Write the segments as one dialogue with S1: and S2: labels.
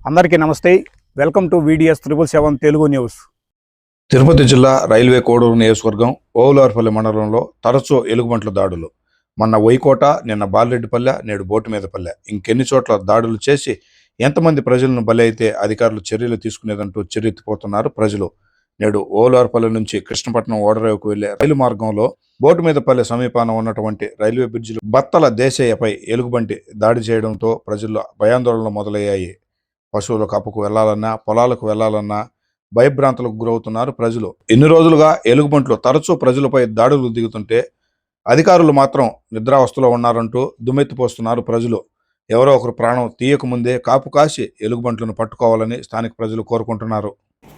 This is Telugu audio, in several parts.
S1: అందరికీ నమస్తే. Welcome to VDS 777 Telugu news.
S2: Tirupati జిల్లా రైల్వే కోడూరు నియోజకవర్గం ఓవులార్పల్లి మండలంలో తరచూ ఎలుగుబంట్ల దాడులు. మొన్న వైకోట, నిన్న బాలరెడ్డిపల్లె, నేడు బోటుమీదపల్లె, ఇంకెన్ని చోట్ల దాడులు చేసి ఎంతమంది ప్రజలను బలి అయితే అధికారులు చర్యలు తీసుకునేదంటూ చెర్రెత్తిపోతున్నారు ప్రజలు. నేడు ఓవులార్పల్లి నుంచి కృష్ణపట్నం ఓడరేవుకు వెళ్లే రైలు మార్గంలో బోటుమీదపల్లె సమీపాన ఉన్నటువంటి రైల్వే బ్రిడ్జిలో బత్తల దేశయ్యపై ఎలుగుబంటి దాడి చేయడంతో ప్రజల్లో భయాందోళనలు మొదలయ్యాయి. పశువుల కాపుకు వెళ్లాలన్నా, పొలాలకు వెళ్లాలన్నా భయభ్రాంతులకు గురవుతున్నారు ప్రజలు. ఎన్ని రోజులుగా ఎలుగుబంట్లు తరచూ ప్రజలపై దాడులు దిగుతుంటే అధికారులు మాత్రం నిద్రావస్థలో ఉన్నారంటూ దుమ్మెత్తిపోస్తున్నారు ప్రజలు. ఎవరో ఒకరు ప్రాణం తీయకముందే కాపు కాసి ఎలుగుబంట్లను పట్టుకోవాలని స్థానిక ప్రజలు కోరుకుంటున్నారు.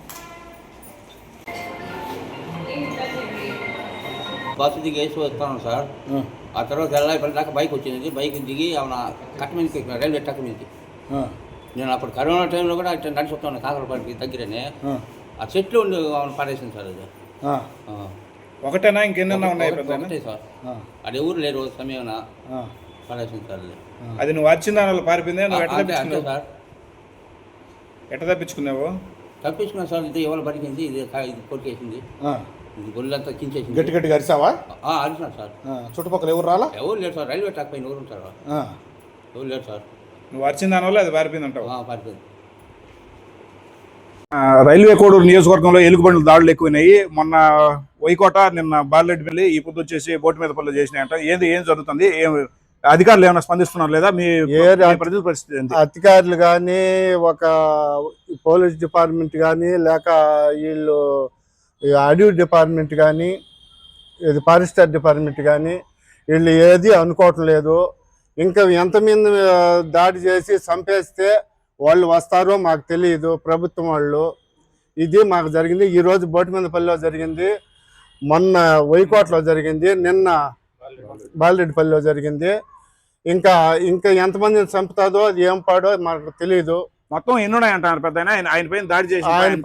S3: బస్సు దిగి వేసి వస్తాను సార్. ఆ తర్వాత వెళ్ళాలి దాకా బైక్ వచ్చింది. బైక్ దిగి ఏమన్నా కట్ట మీదకి రైల్వే ట్రాక్ మీదకి. నేను అప్పుడు కరోనా టైంలో కూడా ఇట్లా నడిచి వస్తాను కాకరపల్లికి దగ్గరనే. ఆ చెట్లు ఉండి పడేసింది సార్. అది
S1: ఒకటేనా ఇంకెన్నైనా ఉన్నాయి?
S3: ఒకటే సార్. అది ఎవరు లేరు సమయం పడేసింది సార్.
S1: అది నువ్వు వచ్చిన దానివల్ల పారిపోయింది.
S3: అంతే సార్.
S1: ఎట్ట తప్పించుకున్నావు?
S3: తప్పించుకున్నాను సార్. ఇది ఎవరు బతికింది, ఇది కొరికేసింది, ఇది గొల్లంతా కించేసింది.
S1: గట్టి గట్టిగా అరిసావా?
S3: అరిసినా సార్.
S1: చుట్టుపక్కల ఎవరు రాలా?
S3: ఎవరు లేరు సార్. రైల్వే ట్రాక్ పైన ఎవరు ఉంటారు? ఎవరు లేరు సార్.
S1: నువ్వు వచ్చిన దానివల్ల అది పారిపోయింది అంటావు?
S3: పారిపోయింది.
S1: రైల్వే కోడూరు నియోజకవర్గంలో ఎలుగుబండ్ల దాడులు ఎక్కువైనాయి. మొన్న వైకోట, నిన్న బాలరెడ్డిపల్లి, ఈ పొద్దు వచ్చేసి బోటుమీదపల్లి చేసినాయంట. ఏం జరుగుతుంది? అధికారులు ఏమైనా స్పందిస్తున్నారు లేదా? మీ ప్రజల పరిస్థితి?
S4: అధికారులు కానీ, ఒక పోలీస్ డిపార్ట్మెంట్ కానీ, లేక వీళ్ళు అడవి డిపార్ట్మెంట్ కానీ, ఇది ఫారెస్టర్ డిపార్ట్మెంట్ కానీ, వీళ్ళు ఏది అనుకోవటం లేదు. ఇంకా ఎంతమంది దాడి చేసి చంపేస్తే వాళ్ళు వస్తారో మాకు తెలియదు. ప్రభుత్వం వాళ్ళు ఇది మాకు జరిగింది. ఈరోజు బోటుమీదపల్లిలో జరిగింది, మొన్న వైకోటలో జరిగింది, నిన్న బాలరెడ్డిపల్లిలో జరిగింది. ఇంకా ఎంతమందిని చంపుతాదో అది ఏం పాడో మాకు తెలియదు.
S1: మొత్తం ఎన్ని ఉన్నాయంటారు పెద్ద ఆయన పైన దాడి చేసి?
S4: ఆయన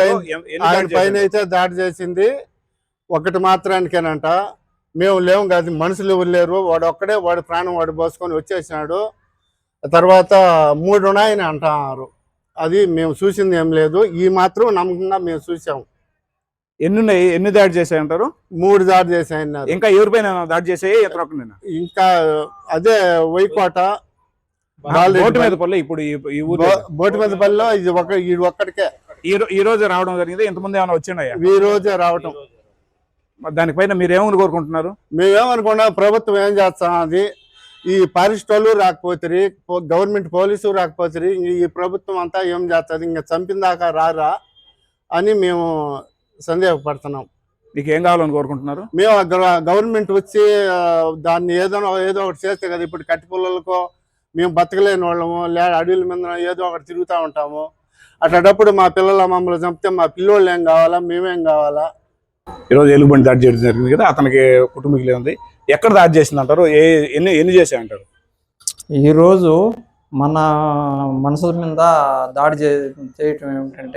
S4: పైన అయితే దాడి చేసింది ఒకటి మాత్రానికేనంట. మేము లేవు కాదు, మనుషులు ఎవరు లేరు. వాడు ఒక్కడే, వాడి ప్రాణం వాడు పోసుకొని వచ్చేసినాడు. తర్వాత 3 ఉన్నాయని అంటున్నారు. అది మేము చూసింది ఏం లేదు. ఈ మాత్రం నమ్మకంగా మేము చూసాము.
S1: ఎన్ని దాడి చేశాయంటారు?
S4: 3 దాడి చేశాయన్నారు.
S1: ఇంకా ఎవరిపైన దాడి చేసాయి?
S4: ఇంకా అదే వైకోట,
S1: బోటుమీదపల్లి. ఇప్పుడు
S4: బోటుమీదపల్లిలో ఇది ఒక్కడికే
S1: ఈ రోజు రావడం జరిగింది. ఎంతమంది ఏమైనా వచ్చినాయా?
S4: ఈ రోజే రావటం.
S1: దానిపైన మీరేమని కోరుకుంటున్నారు?
S4: మేమేమనుకున్నా, ప్రభుత్వం ఏం చేస్తాం, అది ఈ ఫారెస్ట్ వాళ్ళు రాకపోతే, గవర్నమెంట్ పోలీసు రాకపోతే, ఈ ప్రభుత్వం అంతా ఏం చేస్తుంది? ఇంకా చంపిన దాకా రారా అని మేము సందేహపడుతున్నాం.
S1: మీకు ఏం కావాలని కోరుకుంటున్నారు?
S4: మేము గవర్నమెంట్ వచ్చి దాన్ని ఏదో ఒకటి చేస్తే కదా. ఇప్పుడు కట్టి పుల్లలకో మేము బతకలేని వాళ్ళము, అడవుల మీద ఏదో ఒకటి తిరుగుతూ ఉంటాము. అట్లాంటప్పుడు మా పిల్లల మమ్మల్ని చంపితే మా పిల్లోళ్ళు ఏం కావాలా, మేమేం కావాలా?
S1: ఈరోజు ఎలుగుబంటి దాడి చేయడం జరిగింది కదా, అతనికి కుటుంబీకులే ఉంది. ఎక్కడ దాడి చేసింది అంటారు? ఎన్ని చేసాయంటారు?
S5: ఈరోజు మన మనుషుల మీద దాడి చేయటం ఏమిటంటే,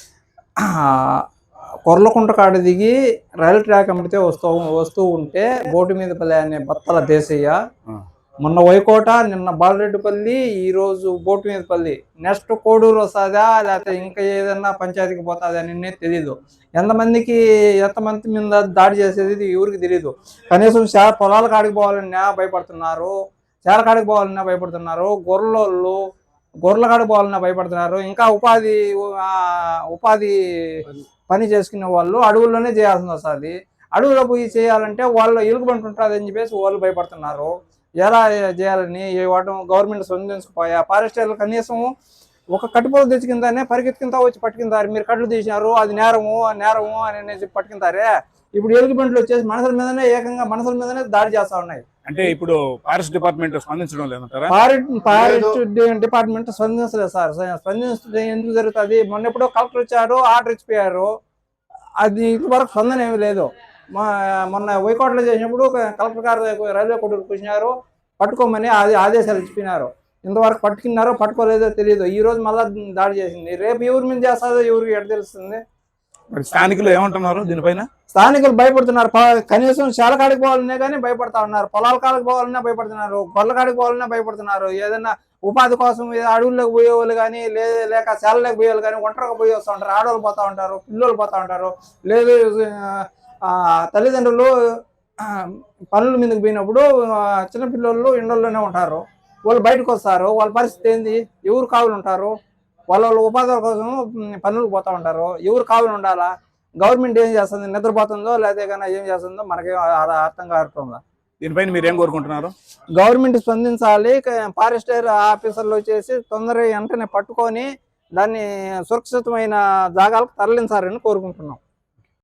S5: కొర్లకుంట కాడ దిగి రైలు ట్రాక్ అమ్మితే వస్తూ ఉంటే బోటుమీదపల్లి అనే బత్తల దేశయ్య, మొన్న వైకోట, నిన్న బాలరెడ్డిపల్లి, ఈరోజు బోటుమీదపల్లి, నెక్స్ట్ కోడూరు వస్తుందా లేకపోతే ఇంకా ఏదన్నా పంచాయతీకి పోతుందా అని తెలీదు. ఎంతమంది మీద దాడి చేసేది ఎవరికి తెలియదు. కనీసం పొలాల కాడికి పోవాలన్నా భయపడుతున్నారు, చేల కాడికి పోవాలన్నా భయపడుతున్నారు, గొర్రెల కాడికి పోవాలన్నా భయపడుతున్నారు. ఇంకా ఉపాధి పని చేసుకునే వాళ్ళు అడవుల్లోనే చేయాల్సి వస్తుంది. అడవుల్లో పోయి చేయాలంటే వాళ్ళు ఎలుగుబంటి ఉంటుంది అని చెప్పేసి వాళ్ళు భయపడుతున్నారు. ఎలా చేయాలని గవర్నమెంట్ స్పందించకపోయా, ఫారెస్టర్లు కనీసం ఒక కట్టుపోలు తెచ్చుకుందానే పరిగెత్తుకుంటా వచ్చి పట్టుకుంటారు. మీరు కట్లు తీసినారు, అది నేరము అని పట్టుకుంటారే. ఇప్పుడు ఎలుగుబంట్లు వచ్చేసి ఏకంగా మనుషుల మీదనే దాడి చేస్తా ఉన్నాయి.
S1: అంటే ఇప్పుడు ఫారెస్ట్ డిపార్ట్మెంట్ స్పందించడం లేదంటారా?
S5: ఫారెస్ట్ డిపార్ట్మెంట్ స్పందించలేదు సార్. స్పందించడం ఎందుకు జరుగుతుంది? మొన్న ఎప్పుడో కలెక్టర్ వచ్చారు, ఆర్డర్ ఇచ్చిపోయారు. అది ఇంతవరకు స్పందన ఏమీ లేదు. మొన్న వైకోటలో చేసినప్పుడు కలెక్టర్ గారు రైల్వే కోర్టుకు కూర్చున్నారు, పట్టుకోమని ఆదేశాలు ఇచ్చిపోయినారు. ఇంతవరకు పట్టుకున్నారో పట్టుకోలేదో తెలియదు. ఈ రోజు మళ్ళీ దాడి చేసింది. రేపు ఎవరి మీద చేస్తుందో ఎవరికి ఎట్లా తెలుస్తుంది?
S1: స్థానికులు ఏమంటున్నారు దీనిపైన?
S5: స్థానికులు భయపడుతున్నారు. కనీసం శాల కాడికి పోవాలనే కానీ భయపడతా ఉన్నారు, పొలాల కాడికి పోవాలన్నా భయపడుతున్నారు, గొర్రెల కాడికి పోవాలన్నా భయపడుతున్నారు. ఏదైనా ఉపాధి కోసం అడవుల్లోకి పోయేవాళ్ళు కానీ లేక శాలలోకి పోయేవాళ్ళు కానీ ఒంటరిగా పోయి వస్తూ ఉంటారు. ఆడవాళ్ళు పోతూ ఉంటారు, పిల్లలు పోతూ ఉంటారు. లేదు తల్లిదండ్రులు పనుల మీదకి పోయినప్పుడు చిన్నపిల్లలు ఇండ్లలోనే ఉంటారు. వాళ్ళు బయటకు వస్తారు, వాళ్ళ పరిస్థితి ఏంది? ఎవరు కావులు ఉంటారు? వాళ్ళ ఉపాధి కోసం పనులకు పోతూ ఉంటారు. ఎవరు కావులు ఉండాలా? గవర్నమెంట్ ఏం చేస్తుంది? నిద్రపోతుందో లేదా కానీ ఏం చేస్తుందో మనకేం అర్థం కావట్లేదు.
S1: దీనిపైన మీరు ఏం కోరుకుంటున్నారు?
S5: గవర్నమెంట్ స్పందించాలి. ఫారెస్టర్ ఆఫీసర్లు వచ్చేసి తొందరగా వెంటనే పట్టుకొని దాన్ని సురక్షితమైన జాగాలకు తరలించాలని కోరుకుంటున్నాం.